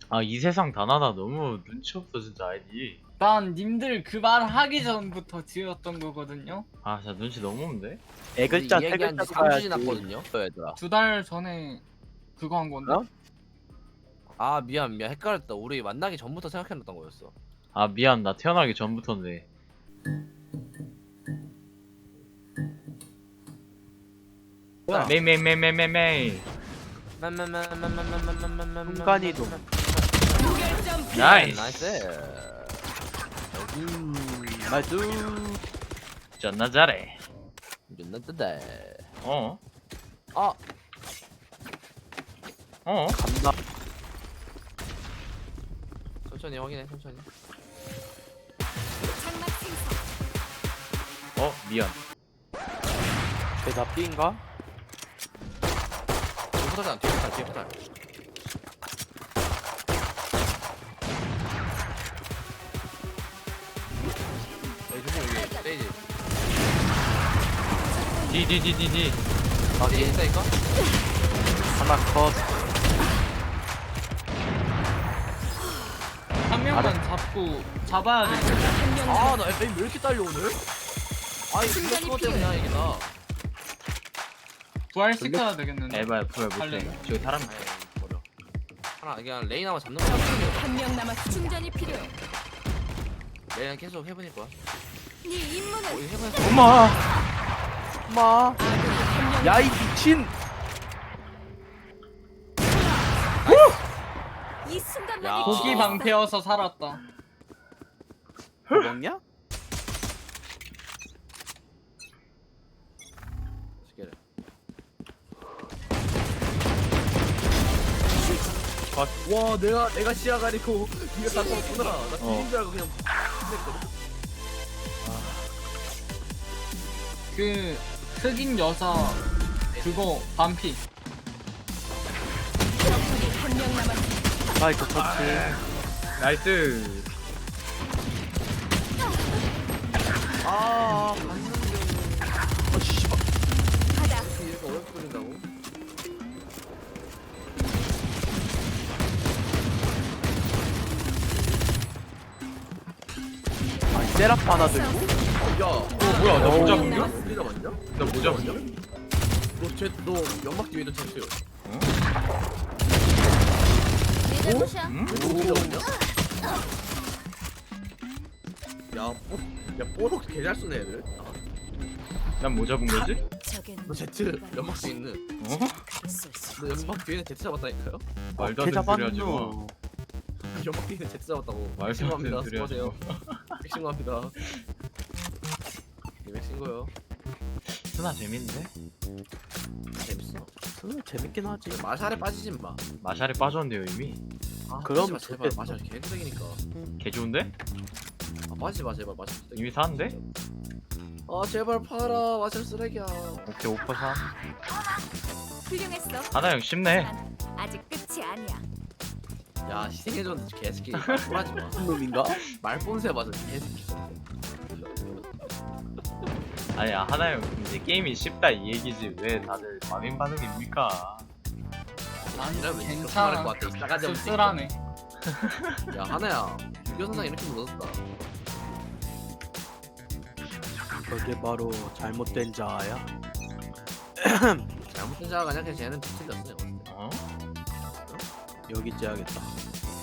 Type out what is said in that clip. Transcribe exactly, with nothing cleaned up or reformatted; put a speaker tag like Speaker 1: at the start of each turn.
Speaker 1: 아, 이 세상 단 하나 너무 눈치 없어 진짜 아이디.
Speaker 2: 난 님들 그 말 하기 전부터 지었던 거거든요.
Speaker 1: 아, 진짜 눈치 너무 없는데?
Speaker 3: 애 글자
Speaker 4: 이
Speaker 3: 세
Speaker 4: 얘기한
Speaker 3: 글자
Speaker 4: 지 삼 주
Speaker 3: 써야지.
Speaker 4: 지났거든요 얘들아.
Speaker 2: 두 달 전에 그거 한 건데.
Speaker 3: 어?
Speaker 4: 아 미안 미안 헷갈렸다. 우리 만나기 전부터 생각해놨던 거였어.
Speaker 1: 아, 미안. 나 태어나기 전부터인데.
Speaker 3: 뭐야?
Speaker 1: 메이 메이 메이 메이 메이 메이.
Speaker 3: 순간이동.
Speaker 1: 나이스.
Speaker 4: 나이스.
Speaker 3: 음, 나이스.
Speaker 1: 존나 잘해.
Speaker 4: 존나 뜨다.
Speaker 1: 어?
Speaker 4: 아
Speaker 1: 어?
Speaker 3: 간다.
Speaker 4: 천천히 확인해 천천히.
Speaker 1: 어? 미안.
Speaker 3: 걔다 B인가?
Speaker 4: 뒤에 포탈 뒤에 포탈 뒤에 포탈. 여기 조심 여기 스테이지.
Speaker 1: 디디디디디.
Speaker 4: 아 뒤에 있다니까?
Speaker 3: 하나 컷.
Speaker 2: 한 명만 잡고 잡아야 돼.
Speaker 4: 아나 에임 왜 이렇게 딸려 오늘? 아이 이거 그거 때문이야 이게 나.
Speaker 2: 부활시켜야 되겠는데.
Speaker 1: 에바야 부야 못해.
Speaker 2: 할래.
Speaker 1: 저기 사람.
Speaker 4: 아이 버려. 하나 그냥 레인 한번 잡는 거야.
Speaker 5: 한 명 남았. 충전이 필요해.
Speaker 4: 레인 계속 해보닐 거야.
Speaker 5: 네 임무는
Speaker 4: 어 이거 해보니까.
Speaker 3: 엄마. 엄마.
Speaker 5: 아군이 한명
Speaker 3: 야 이 미친.
Speaker 5: 이 순간만이
Speaker 4: 야.
Speaker 2: 고기 방패여서 살았다.
Speaker 3: 뭐 먹냐?
Speaker 4: 시계를. 와 내가 내가 시야 가리고 네가 다 쳤구나. 나 뒤진 줄 알고 그냥 했거든.
Speaker 2: 그 흑인 여자 그거 반피.
Speaker 5: 적군이 한명 남았.
Speaker 3: 마이크 터치.
Speaker 1: 나이스.
Speaker 4: 아 갔는데
Speaker 3: 어 씨발.
Speaker 5: 가다.
Speaker 4: 이렇게 어렵게 걸린다고?
Speaker 3: 아니 세라프 하나 들고.
Speaker 4: 야,
Speaker 1: 어, 뭐야? 나 모자
Speaker 3: 어.
Speaker 1: 벗겨?
Speaker 4: 우리가 맞냐?
Speaker 1: 나 모자 벗겨?
Speaker 4: 너쟤너 연막 뒤에도 쳤어요.
Speaker 5: 내 잘못이야.
Speaker 1: 응?
Speaker 4: 너 우리가 맞냐? 야, 뽀, 야 뽀록 개잘 쏘네 애들.
Speaker 1: 난 모자 본 거지?
Speaker 5: 적은
Speaker 4: 너 제트 연막 뒤에 있는.
Speaker 1: 어?
Speaker 4: 너 연막 뒤에 있는 제트 잡았다니까요?
Speaker 1: 말도
Speaker 3: 걔
Speaker 1: 안 되는 소리 하지 마.
Speaker 3: 잡았노.
Speaker 4: 연막 뒤에 있는 제트 잡았다고.
Speaker 1: 말도 안
Speaker 4: 신고합니다.
Speaker 1: 되는 소리 하지
Speaker 4: 수고하세요. 신고합니다. 이백 신고요.
Speaker 1: 스나 재밌는데?
Speaker 4: 재밌어.
Speaker 3: 음, 재밌긴 하지.
Speaker 4: 마샬에 빠지지 마.
Speaker 1: 마샬에 빠졌는데요 이미?
Speaker 4: 아,
Speaker 3: 그럼
Speaker 4: 빠지지 마, 제발.
Speaker 3: 좋겠어.
Speaker 4: 마샬 개쓰레기니까.
Speaker 1: 개 좋은데?
Speaker 4: 아 빠지지 마 제발 마샬 쓰레기.
Speaker 1: 이미 사는데?
Speaker 4: 아 제발 팔아 마샬 쓰레기야.
Speaker 1: 오케이 오퍼 사.
Speaker 5: 훌륭했어.
Speaker 1: 하나 형 쉽네.
Speaker 5: 난 아직 끝이 아니야.
Speaker 4: 야 희생해줬는데 개새끼 말하지 마.
Speaker 3: 무슨 놈인가?
Speaker 4: 말본새 맞아 개새끼.
Speaker 1: 아니야 하나 형 이제 게임이 쉽다 이 얘기지 왜 다들 마민 반응입니까?
Speaker 2: 난
Speaker 4: 이러면 진짜
Speaker 2: 괜찮아.
Speaker 4: 그럴 것 같아. 이 싸가지 없는
Speaker 2: 쓸쓸하네.
Speaker 4: 야 하나야 유교선상 이렇게 묻었다.
Speaker 3: 그게 바로 잘못된 자야.
Speaker 4: 잘못된 자가 아니라 그냥 쟤는 뒤틀렸어.
Speaker 1: 어?
Speaker 3: 여기 째야겠다.